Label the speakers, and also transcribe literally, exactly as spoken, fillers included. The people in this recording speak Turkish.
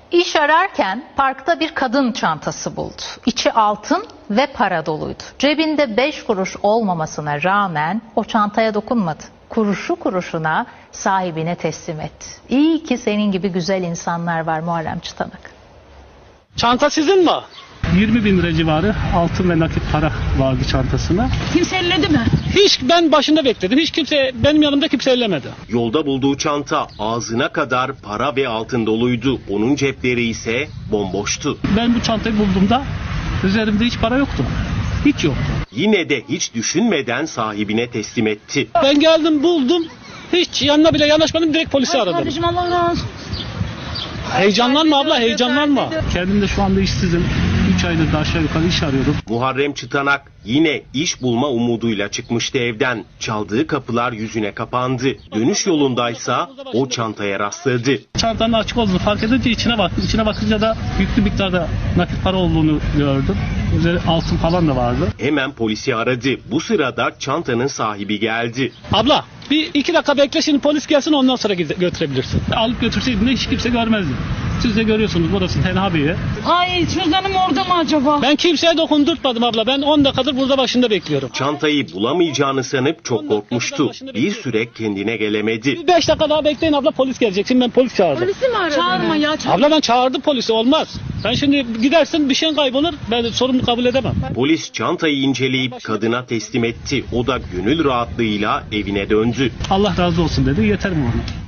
Speaker 1: İş ararken parkta bir kadın çantası buldu. İçi altın ve para doluydu. Cebinde beş kuruş olmamasına rağmen o çantaya dokunmadı. Kuruşu kuruşuna sahibine teslim etti. İyi ki senin gibi güzel insanlar var Muharrem Çıtanık.
Speaker 2: Çanta sizin mi?
Speaker 3: yirmi bin lira civarı altın ve nakit para vardı çantasına.
Speaker 4: Kimse elledi mi?
Speaker 2: Hiç, ben başında bekledim. Hiç kimse, benim yanımda kimse ellemedi.
Speaker 5: Yolda bulduğu çanta ağzına kadar para ve altın doluydu. Onun cepleri ise bomboştu.
Speaker 3: Ben bu çantayı bulduğumda üzerimde hiç para yoktu. Hiç yoktu.
Speaker 5: Yine de hiç düşünmeden sahibine teslim etti.
Speaker 2: Ben geldim, buldum. Hiç yanına bile yanaşmadım, direkt polisi aradım.
Speaker 4: Kardeşim Allah razı olsun.
Speaker 2: Heyecanlanma abla, heyecanlanma.
Speaker 3: Kendim de şu anda işsizim. üç aydır da aşağı yukarı iş arıyorum.
Speaker 5: Muharrem Çıtanak yine iş bulma umuduyla çıkmıştı evden. Çaldığı kapılar yüzüne kapandı. Dönüş yolundaysa o çantaya rastladı.
Speaker 3: Çantanın açık olduğunu fark edince içine baktım. İçine bakınca da yüklü miktarda nakit para olduğunu gördüm. Üzeri altın falan da vardı.
Speaker 5: Hemen polisi aradı. Bu sırada çantanın sahibi geldi.
Speaker 2: Abla bir iki dakika bekle, şimdi polis gelsin, ondan sonra götürebilirsin.
Speaker 3: Alıp götürseydim de hiç kimse görmezdi. Siz de görüyorsunuz, burası tenha bir yer.
Speaker 4: Ay cüzdanım orada mı acaba?
Speaker 2: Ben kimseye dokundurtmadım abla. Ben on dakikadır burada başında bekliyorum.
Speaker 5: Çantayı bulamayacağını sanıp çok korkmuştu. Bir süre kendine gelemedi.
Speaker 2: beş dakika daha bekleyin abla, polis gelecek. Şimdi ben polis çağırdım.
Speaker 4: Polisi mi aradın? Çağırma ya. Çağır.
Speaker 2: Abla ben çağırdım polisi, olmaz. Ben şimdi gidersin, bir şeyin kaybolur. Ben sorumlu kabul edemem.
Speaker 5: Polis çantayı inceleyip kadına teslim etti. O da gönül rahatlığıyla evine döndü.
Speaker 3: Allah razı olsun dedi, yeter mi ona?